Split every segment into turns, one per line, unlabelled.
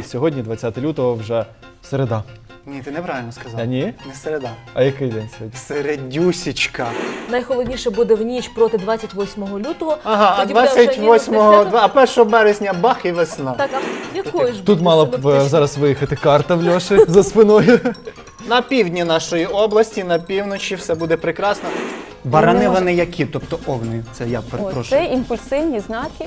сьогодні, 20 лютого, вже середа.
Ні, ти неправильно сказав.
А ні?
Не середа.
А який день сьогодні?
Середюсічка.
Найхолодніше буде в ніч проти 28 лютого.
Ага, а
Тоді буде вже
28-го,
мінус 10.
а 1 березня бах і весна.
Так, а якої ж
Тут
буде
мала б
синоптична?
зараз виїхати карта в Льоші за спиною.
На півдні нашої області, на півночі все буде прекрасно. Барани вони які? Тобто овни, це я
О,
перепрошую.
це імпульсивні знаки,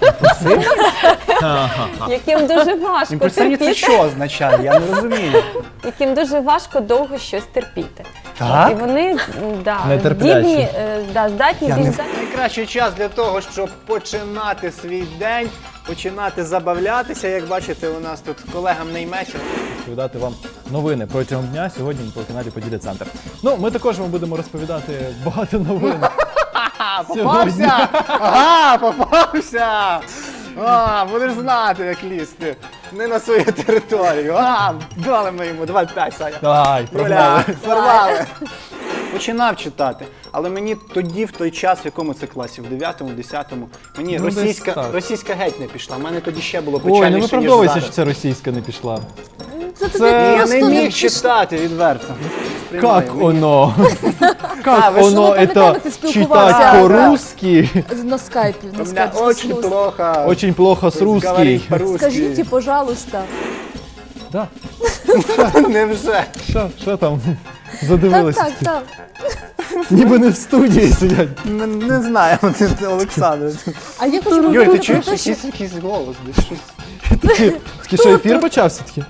яким дуже важко
Імпульсивні це
терпіти,
що означає? Я не розумію.
яким дуже важко довго щось терпіти.
Так?
І вони
Нетерплячі.
здібні, здатні
Я
більш
не...
здатні.
Найкращий час для того, щоб починати свій день, починати забавлятися. Як бачите, у нас тут колегам не йметься.
Розповідати вам новини протягом дня сьогодні на телеканалі Поділля Центр. Ну, ми також вам будемо розповідати багато новин.
Попався! Ага, попався! Будеш знати, як лізти. Не на свою територію. Дали ми йому 25, Саня.
Давай,
Юля,
прогнали.
порвали. Починав читати, але мені тоді, в той час, в якому це класі, в 9-му, 10-му, мені
Ну, десь так.
російська геть не пішла. У мене тоді ще було
Ой, не
печальніше, ніж
виправдовуйся,
зараз.
що це російська не пішла.
Це
Я не міг читати відверто.
Как
Мені-
оно?
А,
Как
ви ж
оно
ви
это
пам'ятаєте, ти
читать
спілкувався,
по-русски?
На скайпі.
У меня очень плохо.
Очень плохо с русский.
говорить по-русски.
Скажіть, пожалуйста.
Да.
Невже?
Що там?
Так,
Задивилися.
так, так.
Ніби не в студії сидять.
Не знаю, Олександр.
А я хочу
Юль, ти
говорити
чуєш
про те, що...
якийсь голос? Десь щось.
Такі, що ефір почався таки?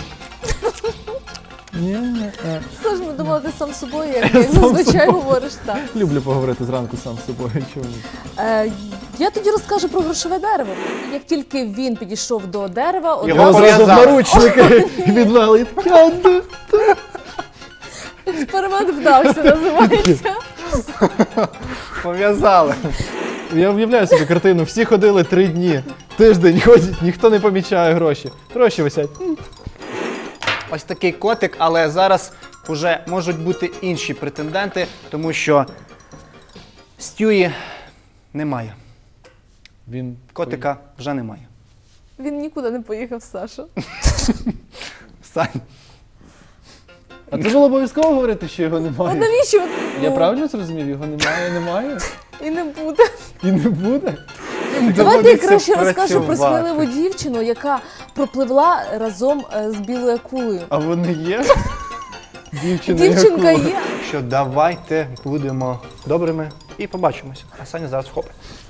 Ні.
Саш, ми думали, ти сам з собою, як зазвичай говориш так.
Люблю поговорити зранку сам з собою. Чому?
Я тоді розкажу про грошове дерево. Як тільки він підійшов до дерева,
Його
Його зразу в
пов'язали.
наручники відвели.
експеримент вдався, називається.
Пов'язали.
Я уявляю собі картину. Всі ходили 3 дні. Тиждень ходять, ніхто не помічає гроші. Гроші висять.
Ось такий котик, але зараз вже можуть бути інші претенденти, тому що Стюї немає.
Він
Котика вже немає.
Він нікуди не поїхав, Саша.
Сань.
А це було обов'язково говорити, що його
А
немає?
навіщо?
Я правильно зрозумів? Його немає?
І не буде.
І не буде?
Давайте я
Доводиться
краще розкажу про
працювати.
сміливу дівчину, яка пропливла разом з білою акулою.
А вони є?
Дівчинка є.
Що давайте будемо добрими і побачимося. А Саня зараз вхопить.